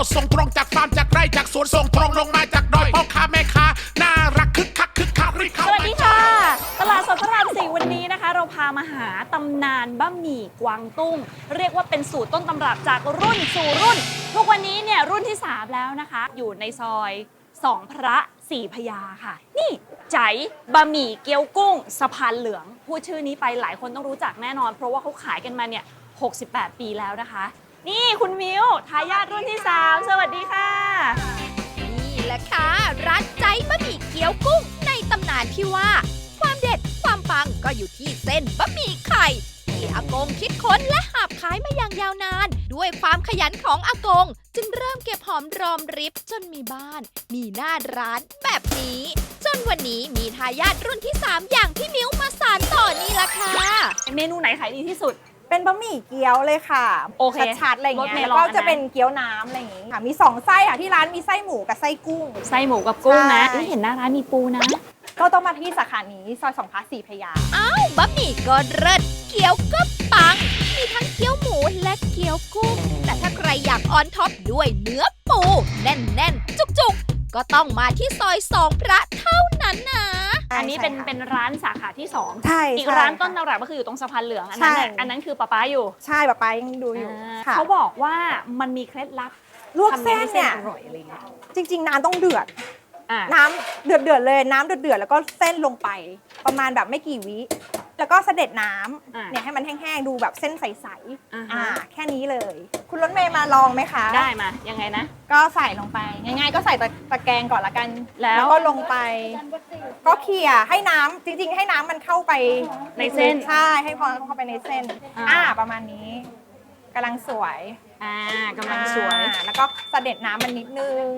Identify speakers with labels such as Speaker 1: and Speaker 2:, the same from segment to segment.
Speaker 1: ส่งตรงจากฟาร์มจากไร่จากสวนส่งตรงลงมาจากดอยพ่อค้าแม่ค้าน่ารักคึกคักรีบเข้า
Speaker 2: สวัสดีค่ะ ตลาดสดพระราม 4วันนี้นะคะ เราพามาหาตำนานบะหมี่กวางตุ้งเรียกว่าเป็นสูตรต้นตำรับจากรุ่นสู่รุ่นทุกวันนี้เนี่ยรุ่นที่ 3 แล้วนะคะ อยู่ในซอย2พระ4พญาค่ะ นี่ใจบะหมี่เกี๊ยวกุ้งสะพานเหลืองพูดชื่อนี้ไปหลายคนต้องรู้จักแน่นอน เพราะว่าเขาขายกันมาเนี่ย68 ปีแล้วนะคะ นี่คุณมิวทายาทรุ่นที่ 3 สวัสดีค่ะ
Speaker 3: นี่แหละค่ะร้านใจบะหมี่เกี๊ยวกุ้งในตำนานที่ว่า ความเด็ดความปังก็อยู่ที่เส้นบะหมี่ไข่ที่อากงคิดค้นและหาบขายมาอย่างยาวนาน ด้วยความขยันของอากง จึงเริ่มเก็บหอมรอมริบจนมีบ้าน มีหน้าร้านแบบนี้ จนวันนี้มีทายาทรุ่นที่ 3 อย่างพี่มิ้วมาสานต่อนี่ละค่ะ
Speaker 2: เมนูไหนขายดีที่สุด
Speaker 4: เป็นบะหมี่เกี๊ยวเลยค่ะ
Speaker 2: โอเค
Speaker 4: ชัดๆอะไร
Speaker 2: ร
Speaker 4: เงี้
Speaker 2: ส
Speaker 4: ย
Speaker 2: เมลอน
Speaker 4: แล้วก็จะ
Speaker 2: นะ
Speaker 4: เป็นเกี๊ยวน้ำอะไรอย่างงี้ค่ะมี2ไส้ค่ะที่ร้านมีไส้หมูกับไส้กุ้ง
Speaker 2: ไส้หมูกับกุ้งนะ
Speaker 4: ใช่
Speaker 2: เห็นหน้าร้านมีปูนะ
Speaker 4: ก็ต้องมาที่สาขานี้ซอย2พระ4พญา
Speaker 3: บะหมี่ก็เลิศเกี๊ยวก็ปัง มีทั้งเกี๊ยวหมูและเกี๊ยวกุ้ง แต่ถ้าใครอยากออนท็อปด้วยเนื้อปู แน่นๆ จุกๆ ก็ต้องมาที่ซอย2พระเท่านั้นนะ
Speaker 2: อันนี้
Speaker 4: ใช่ค่ะ
Speaker 2: เป็นร้านสาขาที่2
Speaker 4: ใช่
Speaker 2: อีก
Speaker 4: ใช่
Speaker 2: ร้านต้น
Speaker 4: ค่ะ
Speaker 2: ตำรับก็คืออยู่ตรงสะพานเหลืองอันนั้น
Speaker 4: ใช่
Speaker 2: น่ะอันนั้นคือป๊าอยู่
Speaker 4: ใช่ป๊ายังดูอยู่ค่ะ
Speaker 2: เขาบอกว่ามันมีเคล็ดลับ
Speaker 4: ลวก
Speaker 2: ทำ
Speaker 4: เส้น
Speaker 2: ให้
Speaker 4: เนี่ย
Speaker 2: อร่อยอะไรเงี้ย
Speaker 4: จริง ๆ น้ำต้องเดือด
Speaker 2: อ่ะ
Speaker 4: น้ำเดือดเลยน้ำเดือดแล้วก็เส้นลงไป ประมาณแบบไม่กี่วิแล้วก็เสด็จน้ำเนี่ยให้มันแห้งๆดูแบบเส้นใสๆแค่นี้เลย คุณรถเมย์มาลองไหมคะ
Speaker 2: ได้มายังไงนะ
Speaker 4: ก็ใส่ลงไปง่ายๆ ก็ใส่ตะแกรงก่อนละกัน
Speaker 2: แล้ว
Speaker 4: ก็ลงไป ก็เขี่ยให้น้ำจริงๆ ให้น้ำมันเข้าไป
Speaker 2: ในเส้น
Speaker 4: ใช่ให้พอเข้าไปในเส้น ประมาณนี้กำลังสวย
Speaker 2: กำลังสวย
Speaker 4: แล้วก็เสด็จน้ำมันนิดนึง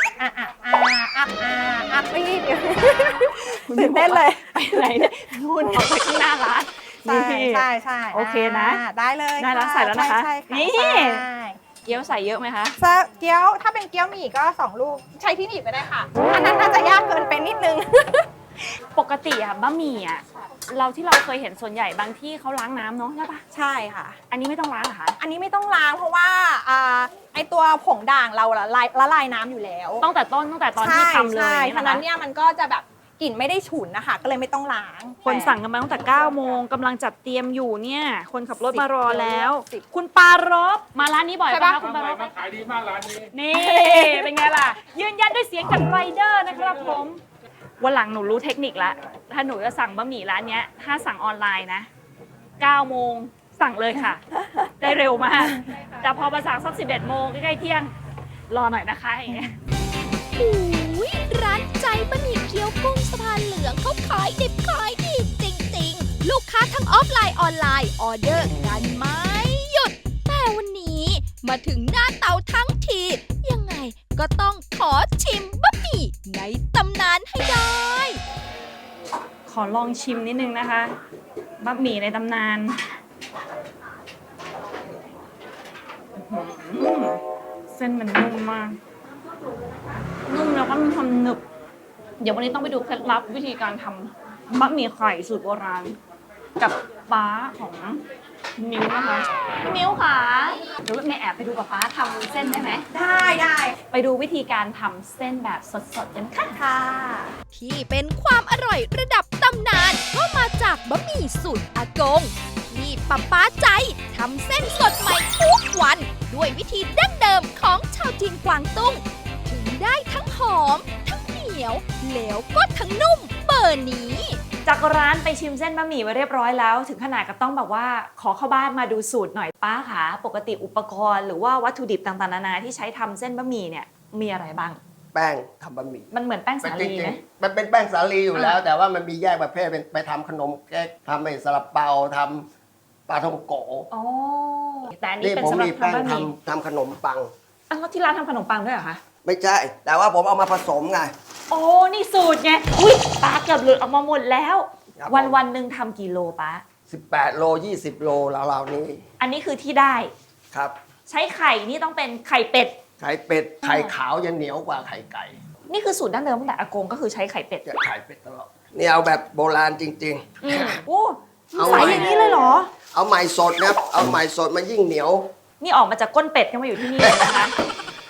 Speaker 4: รีบตื่นเต้นเลย
Speaker 2: ไปไหนเนี่ยนู่นออกไปข้างหน้าร้าน
Speaker 4: ใช่ใช่ใช่
Speaker 2: โอเคนะ
Speaker 4: ได้เลย
Speaker 2: ได้แล้วใส่แล้วนะคะ
Speaker 4: ใช่
Speaker 2: นี่
Speaker 4: ใช่
Speaker 2: เกี๊ยวใส่เยอะไหมคะ
Speaker 4: เกี๊ยวถ้าเป็นเกี๊ยวหมี่ก็2 ลูกใช้ที่หนีบไปได้ค่ะอันนั้นน่าจะยากเกินไปนิดนึง
Speaker 2: ปกติอะบะหมี่อะเราที่เราเคยเห็นส่วนใหญ่บางที่เขาล้างน้ำเนาะใช่ปะ
Speaker 4: ใช่ค่ะ
Speaker 2: อันนี้ไม่ต้องล้างเหรอคะ
Speaker 4: อันนี้ไม่ต้องล้างเพราะว่าไอตัวผงด่างเราละลายน้ำอยู่แล้ว
Speaker 2: ตั้งแต่ต้นตั้งแต่ตอนที่ทำเลย
Speaker 4: ใช่
Speaker 2: อย่าง
Speaker 4: ฉะ
Speaker 2: นี้
Speaker 4: นั้น
Speaker 2: นะคะ
Speaker 4: เนี่ยมันก็จะแบบกลิ่นไม่ได้ฉุนนะคะก็เลยไม่ต้องล้าง
Speaker 2: คนสั่งกันมาตั้งแต่9โมงกำลังจัดเตรียมอยู่เนี่ยคนขับรถมารอแล้ว
Speaker 4: 10
Speaker 2: คุณปารบมาร้านนี้บ่อยปะคะคุณปารบ
Speaker 1: ขายดีมากร้านนี้
Speaker 2: นี่เป็นไงล่ะ ยืนยันด้วยเสียงจากไรเดอร์นะครับผมวันหลังหนูรู้เทคนิคละถ้าหนูจะสั่งบะหมี่ร้านเนี้ยถ้าสั่งออนไลน์นะ9โมงสั่งเลยค่ะ ได้เร็วมาก แต่พอมาสั่งสัก11โมงใกล้ๆเที่ยงรอหน่อยนะคะอย่างเงี้ย
Speaker 3: อุ๊ยร้านใจบะหมี่เกี๊ยวกุ้งสะพานเหลืองเขาขายดิบขายดีจริงๆ ลูกค้าทั้งออฟไลน์ออนไลน์ออเดอร์กันไม่หยุด แต่วันนี้มาถึงหน้าเตาทั้งที ยังไงก็ต้องขอชิมบะหมี่ในตำนานให้ได้
Speaker 2: ขอลองชิมนิดนึงนะคะบะหมี่ในตำนานอื้อหือเส้นมันนุ่มมาก นุ่มแล้วก็มีความหนึบ เดี๋ยววันนี้ต้องไปดูเคล็ดลับวิธีการทำบะหมี่ไข่สูตรโบราณ กับป้าของมิ้วนะคะพี่มิ้วค่ะเดี๋ยวแม่แอบไปดูกับป้าทำเส้นได้ไหม
Speaker 4: ได้
Speaker 2: ไปดูวิธีการทำเส้นแบบสดๆกันค่ะ
Speaker 4: ค่ะ
Speaker 3: ที่เป็นความอร่อยระดับตำนานก็มาจากบะหมี่สูตรอากง ที่ป้าใจทำเส้นสดใหม่ทุกวัน ด้วยวิธีดั้งเดิมของชาวจีนกวางตุ้ง ถึงได้ทั้งหอม ทั้งเหนียวแล้วก็ทั้งนุ่มเบอร์นี้
Speaker 2: จากร้านไปชิมเส้นบะหมี่มาเรียบร้อยแล้ว ถึงขนาดก็ต้องแบบว่าขอเข้าบ้านมาดูสูตรหน่อยป้าค่ะปกติอุปกรณ์หรือว่าวัตถุดิบต่างๆนานาที่ใช้ทำเส้นบะหมี่เนี่ยมีอะไรบ้าง
Speaker 5: แป้งทำบะหมี่
Speaker 2: มันเหมือนแป้งสา
Speaker 5: จ
Speaker 2: ลี
Speaker 5: ริง
Speaker 2: ไหม
Speaker 5: ๆมันเป็นแป้งสาลีอยู่แล้ว แต่ว่ามันมีแยกประเภทเป็นไปทำขนมเค้กทำไอ้ซาลาเปาทำปลาท่องโก
Speaker 2: อ๋อแต่อันนี้
Speaker 5: นี่
Speaker 2: เป็น
Speaker 5: ผม
Speaker 2: สำหรับ
Speaker 5: มีแป้ง
Speaker 2: ทำบะหมี่
Speaker 5: ทำขนมปัง
Speaker 2: อ้าวแล้วที่ร้านทำขนมปังด้วยเหรอคะ
Speaker 5: ไม่ใช่ แต่ว่าผมเอามาผสมไง
Speaker 2: โอ้นี่สูตรไงอุ้ยป้าเกือบหลุดออกมาหมดแล้ว
Speaker 5: ครับ
Speaker 2: วันๆหนึ่งทำกี่โลป้า
Speaker 5: 18 โล 20 โลราวๆนี้
Speaker 2: อันนี้คือที่ได้
Speaker 5: ครับ
Speaker 2: ใช้ไข่นี่ต้องเป็นไข่เป็ด
Speaker 5: ไข่เป็ดไข่ขาวยังเหนียวกว่าไข่ไก่
Speaker 2: นี่คือสูตรดั้งเดิมตั้งแต่อากงก็คือใช้ไข่เป็ด
Speaker 5: จะไข่เป็ดตลอดนี่เอาแบบโบราณจริง
Speaker 2: โอ้
Speaker 5: เอา
Speaker 2: ใส
Speaker 5: ไว้
Speaker 2: อย่างนี้เลยเหรอ
Speaker 5: ๆ เอาใหม่สดนะครับเอาใหม่สดมันยิ่งเหนียว
Speaker 2: นี่ออกมาจากก้นเป็ดก็มาอยู่ที่นี่เลยนะคะ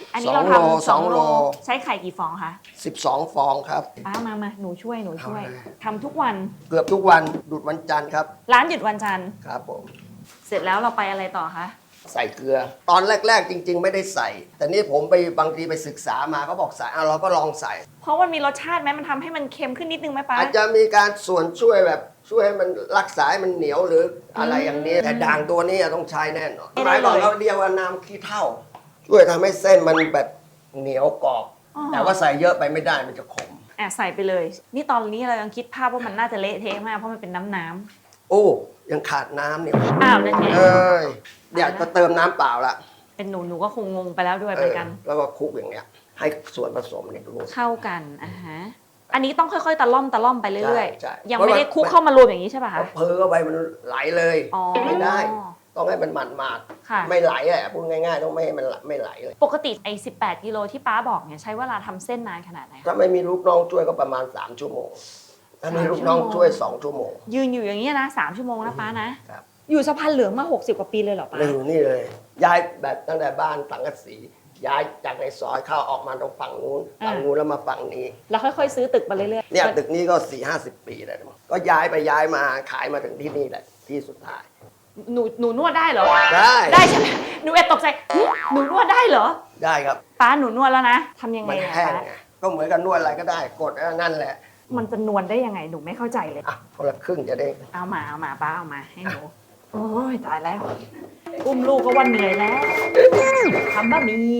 Speaker 2: อันนี้เรา
Speaker 5: 2 โล
Speaker 2: ทำ
Speaker 5: 2 โล
Speaker 2: ใช้ไข่กี่ฟองคะ
Speaker 5: 12 ฟองครับ
Speaker 2: ป้ามาหนูช่วย
Speaker 5: เอาเลย
Speaker 2: ทำทุกวัน
Speaker 5: เกือบทุกวันหยุดวันจันทร์ครับ
Speaker 2: ร้านหยุดวันจันทร์
Speaker 5: ครับผม
Speaker 2: เสร็จแล้วเราไปอะไรต่อคะ
Speaker 5: ใส่เกลือ ตอนแรก ๆ จริง ๆ ไม่ได้ใส่ แต่นี่ผมไปบางทีไปศึกษามาเขาบอกใส่เราก็ลองใส่
Speaker 2: เพราะมันมีรสชาติไหมมันทำให้มันเค็มขึ้นนิดนึงไหมป้า
Speaker 5: อาจจะมีการส่วนช่วยแบบช่วยให้มันรักษาให้มันเหนียวหรืออะไรอย่างนี้ แต่ด่างตัวนี้ต้องใช้แน่นอน
Speaker 2: ไม่
Speaker 5: ห
Speaker 2: ได้
Speaker 5: มาย
Speaker 2: เลย
Speaker 5: ก่อนเขาเรียกว่าน้ำขี้เถ้าช่วยทำให้เส้นมันแบบเหนียวกรอบ
Speaker 2: อ๋อ
Speaker 5: แต่ว่าใส่เยอะไปไม่ได้มันจะขม
Speaker 2: ใส่ไปเลย นี่ตอนนี้เรายังคิดภาพว่ามันน่าจะเละเทะมากเพราะมันเป็นน้ำ
Speaker 5: โอ้ยังขาดน้ำเนี่ย
Speaker 2: อ้าวนั่นไง
Speaker 5: เอ้ยอยากจะเติมน้ำเปล่าละ
Speaker 2: เป็นหนูก็คงงงไปแล้วด้วยเหมือนกัน
Speaker 5: แล้วก็คลุกอย่างเงี้ย ให้ส่วนผสมเนี่ยรวม
Speaker 2: เข้ากันฮะอันนี้ต้องค่อยๆตะล่อมไปเรื่อย
Speaker 5: ใช่
Speaker 2: ๆยังไม่ได้คลุกเข้ามารวมอย่างนี้ใช่ป่ะ
Speaker 5: พอ
Speaker 2: คะ
Speaker 5: เพอเข้าไปมันไหลเลย
Speaker 2: อ๋อ
Speaker 5: ไม่ได้ ต้องให้มันหมาด
Speaker 2: ค่ะ
Speaker 5: ๆไม่ไหลแหละพูดง่ายๆต้องไม่ให้มันไม่ไหลเลย
Speaker 2: ปกติไอ้18 กิโลที่ป้าบอกเนี่ยใช้เวลาทำเส้นนานขนาดไหนคะ
Speaker 5: ถ้าไม่มีลูกน้องช่วยก็ประมาณ3 ชั่วโมงถ้ามีลูกน้องช่วย2 ชั่วโมง
Speaker 2: ยืนอยู่อย่างนี้ยนะ3 ชั่วโมงนะป้านะครับ อยู่สะพานเหลืองมา60 กว่าปีเลยเหรอป้า
Speaker 5: หนึ่งนี่เลย ย้ายแบบตั้งแต่บ้านสังกะสีย้ายจากในซอยเข้าออกมาตรงฝั่งนู้นแล้วมาฝั่งนี้
Speaker 2: แล้วค่อยๆซื้อตึกมาเรื่อยๆ
Speaker 5: เนี่ยตึกนี้ก็4-50 ปีแล้วนะก็ย้ายไปย้ายมาขายมาถึงที่นี่แหละที่สุดท้าย
Speaker 2: หนูนวดได้เหรอ
Speaker 5: ได้
Speaker 2: ได้ใช่ไหมหนูแอบตกใจหนูนวดได้เหรอ
Speaker 5: ได้ครับ
Speaker 2: ป้าหนูนวดแล้วนะทำยังไง
Speaker 5: มัน
Speaker 2: อะ
Speaker 5: แห้ง
Speaker 2: ป้า
Speaker 5: ไงก็เหมือนกับนวดอะไรก็ได้กดนั่นแหละ
Speaker 2: มันจะนวลได้ยังไงหนูไม่เข้าใจเลย
Speaker 5: อ่ะคนละครึ่งจะได้
Speaker 2: เอามาป้าเอามาให้หนูโอ้ยตายแล้วอุ้มลูกก็วันเหนื่อยแล้วทำบะหมี่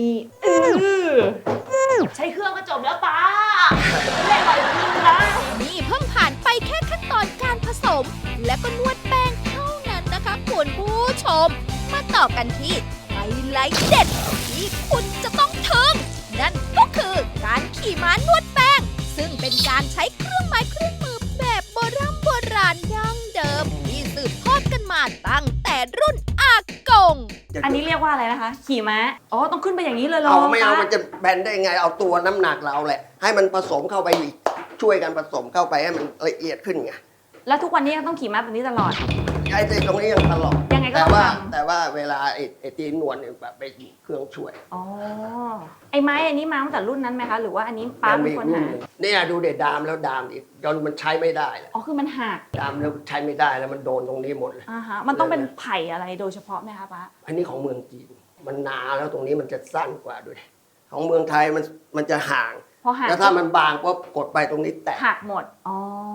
Speaker 2: ใช้เครื่องก็จบแล้วป้าไม่ได้ต่อยจริงนะ
Speaker 3: นี่เพิ่งผ่านไปแค่ขั้นตอนการผสม และก็นวดแป้งเท่านั้นนะคะคุณผู้ชม มาต่อกันที่ไฮไลท์เด็ดที่คุณจะต้องทึ่งนั่นก็คือการขี่ม้านวดแป้ง ซึ่งเป็นการใช้เครื่องไม้เครื่องมือแบบโบราณดั้งเดิม ที่สืบทอดกันมาตั้งแต่รุ่นอากง
Speaker 2: อันนี้เรียกว่าอะไรนะคะ ขี่ม้าอ๋อต้องขึ้นไปอย่างนี้เลยเหรอ
Speaker 5: เอาไม่เอา
Speaker 2: ป้
Speaker 5: มันจะแบนได้ไงเอาตัวน้ำหนักเราแหละ ให้มันผสมเข้าไปอีกช่วยกันผสมเข้าไปให้มันละเอียดขึ้นไง
Speaker 2: แล้วทุกวันนี้ยังต้องขี่ม้าแบบนี้ตลอด
Speaker 5: ไอ้ตรงนี้ยังตลอด
Speaker 2: ยังไงก็
Speaker 5: แต่
Speaker 2: ต้อง
Speaker 5: ว่า
Speaker 2: ทำ
Speaker 5: แต่ว่าเวลาไอ้ตีนวลเนี่ยแบบไปเครื่องช่วย
Speaker 2: อ๋อไอ้ไม้อันนี้มาตั้งแต่รุ่นนั้นไหมคะ หรือว่าอันนี้ป้าเป็นคนหา
Speaker 5: เนี่ยดูเด็ดดามแล้วดามอีกจนมันใช้ไม่ได้แล้ว
Speaker 2: อ๋อคือมันหัก
Speaker 5: ดามแล้วใช้ไม่ได้แล้วมันโดนตรงนี้หมดเลย
Speaker 2: มันต้องเป็นไผ่อะไรโดยเฉพาะไหมคะป้า
Speaker 5: อันนี้ของเมืองจีนมันหนาแล้วตรงนี้มันจะสั้นกว่าด้วย ของเมืองไทยมันจะห่าง
Speaker 2: พอหัก
Speaker 5: แล้วถ้ามันบางปุ๊บกดไปตรงนี้แตก
Speaker 2: หักหมดอ๋อ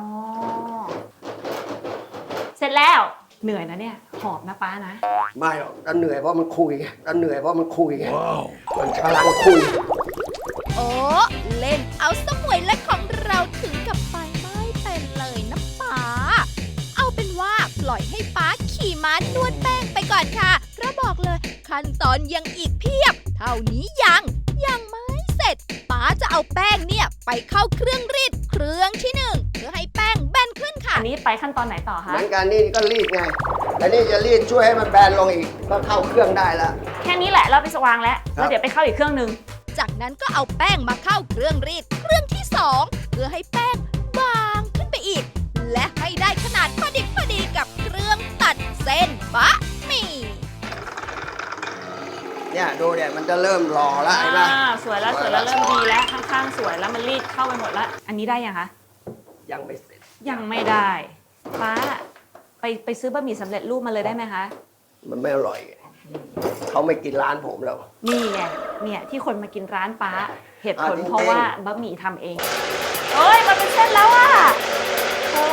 Speaker 2: เสร็จแล้วเหนื่อยนะเนี่ยหอบนะป้านะ
Speaker 5: ไม่หรอกถ้าเหนื่อยเพราะมันคุยไงถ้าเหนื่อยเพราะมันคุยไงมันกำลังคุย
Speaker 3: โอ้เล่นเอาสมวยและของเราถึงกับไปไม่เป็นเลยนะป๋าเอาเป็นว่าปล่อยให้ป๋าขี่ม้านวดแป้งไปก่อนค่ะเพราะบอกเลยขั้นตอนยังอีกเพียบ เท่านี้ยังไม่เสร็จป๋าจะเอาแป้งเนี่ยไปเข้าเครื่องรีดเครื่องที่หนึ่งเพื่อให้แป้งแบนขึ้นค่ะ
Speaker 2: อันนี้ไปขั้นตอนไหนต่อคะ
Speaker 5: เหมือนกันนี่ก็รีดไงแต่นี่จะรีดช่วยให้มันแบนลงอีกก็เข้าเครื่องได้แล้ว
Speaker 2: แค่นี้แหละเราไปสว่างแล้ว
Speaker 5: ครับ
Speaker 2: แล้วเดี๋ยวไปเข้าอีกเครื่องนึง
Speaker 3: จากนั้นก็เอาแป้งมาเข้าเครื่องรีดเครื่องที่สองเพื่อให้แป้งบางขึ้นไปอีก และให้ได้ขนาดพอดีกับเครื่องตัดเส้นบะหมี่
Speaker 5: เนี่ยดูเนี่ยมันจะเริ่มรอแล้วเห็นไหม
Speaker 2: สวยแล้วเริ่มดีแล้วข้างๆสวยแล้วมันรีดเข้าไปหมดแล้ว อันนี้ได้ยังคะ
Speaker 5: ยังไม่เสร็จ
Speaker 2: ยังไม่ได้ป้าไปซื้อบะหมี่สำเร็จรูปมาเลยได้ไหมคะ
Speaker 5: มันไม่อร่อยไงเขาไม่กินร้านผมแล้ว
Speaker 2: นี่ไงเนี่ยที่คนมากินร้านป้าเหตุผล
Speaker 5: จริงๆ
Speaker 2: เพราะว่าบะหมี่ทำเองเอ้ยมันเป็นเส้นแล้วอ่ะโอ้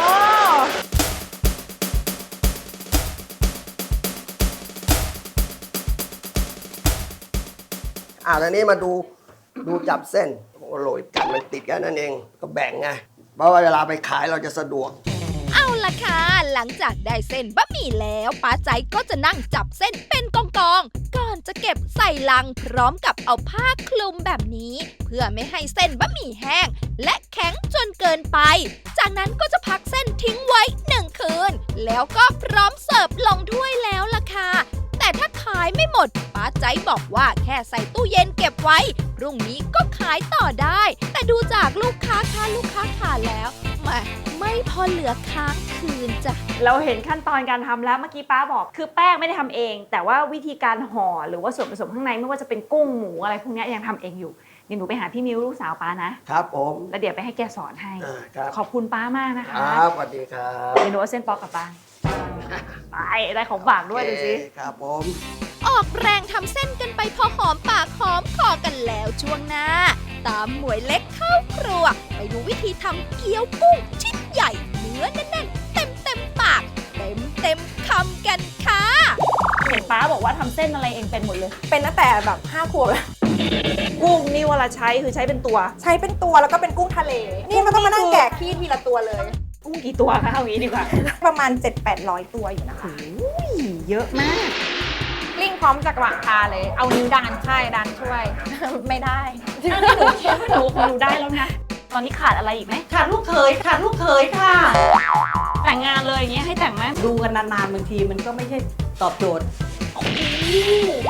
Speaker 5: ตอนนี้มาดูจับเส้นโอ้โรยกันมันติดกันนั่นเองก็แบ่งไงเพราะว่าเวลาไปขายเราจะสะดวก
Speaker 3: เอาล่ะค่ะ หลังจากได้เส้นบะหมี่แล้วป้าใจก็จะนั่งจับเส้นเป็นกองๆก่อนจะเก็บใส่ลังพร้อมกับเอาผ้าคลุมแบบนี้ เพื่อไม่ให้เส้นบะหมี่แห้ง และแข็งจนเกินไป จากนั้นก็จะพักเส้นทิ้งไว้1 คืน แล้วก็พร้อมเสิร์ฟลงถ้วยแล้วล่ะค่ะ แต่ถ้าขายไม่หมดป้าใจบอกว่าแค่ใส่ตู้เย็นเก็บไว้พรุ่งนี้ก็ขายต่อได้ แต่ดูจากลูกค้าทานแล้วไม่พอเหลือค้างคืนจ้ะ
Speaker 2: เราเห็นขั้นตอนการทำแล้วเมื่อกี้ป้าบอกคือแป้งไม่ได้ทำเอง แต่ว่าวิธีการห่อหรือว่าส่วนผสมข้างในไม่ว่าจะเป็นกุ้งหมูอะไรพวกนี้ยังทำเองอยู่เดี๋ยวหนูไปหาพี่มิวลูกสาวป้านะครับ
Speaker 5: ผม
Speaker 2: แล้วเดี๋ยวไปให้แกสอนให้
Speaker 5: ครับ
Speaker 2: ขอบคุณป้ามากนะคะ
Speaker 5: ครับสวัสดีครับ
Speaker 2: เดี๋ยวหนูเอาเส้นปอกกลับบ้านไปได้ของฝากด้วยดูสิ
Speaker 5: โอเคครับผม
Speaker 3: ออกแรงทำเส้นกันไปพอหอมปากหอมคอกันแล้วช่วงหน้า ตามหมวยเล็กเข้าครัว ไปดูวิธีทำเกี๊ยวกุ้งชิ้นใหญ่เนื้อแน่นๆเต็มปาก เต็มคำกันค่ะ
Speaker 2: เห็นป้าบอกว่าทำเส้นอะไรเองเป็นหมดเลย
Speaker 4: เป็นตั้งแต่แบบ5 ขวบแล้ว
Speaker 2: กุ้งนี่เวลาใช้คือใช้เป็นตัว
Speaker 4: ใช้เป็นตัวแล้วก็เป็นกุ้งทะเล นี่มันต้องมานั่งแกะขี้ทีละตัวเลย
Speaker 2: กุ้งกี่ตัวคะเอางี้ดีกว่า
Speaker 4: ประมาณ 700-800 ตัวอยู่นะคะ
Speaker 2: เยอะมาก
Speaker 4: กลิ้งพร้อมจากหว่างทาเลย เอานิ้วดันใช่ดันช่วย ไม่ได้
Speaker 2: หนูคิดว่าหนูได้แล้วนะ ตอนนี้ขาดอะไรอีกไหม
Speaker 6: ขาดลูกเขยขาดลูกเขยค่ะ
Speaker 2: แต่งงานเลยอย่างเงี้ยให้แต่งไหม
Speaker 6: ดูกันนานๆบางทีมันก็ไม่ใช่ตอบโจทย์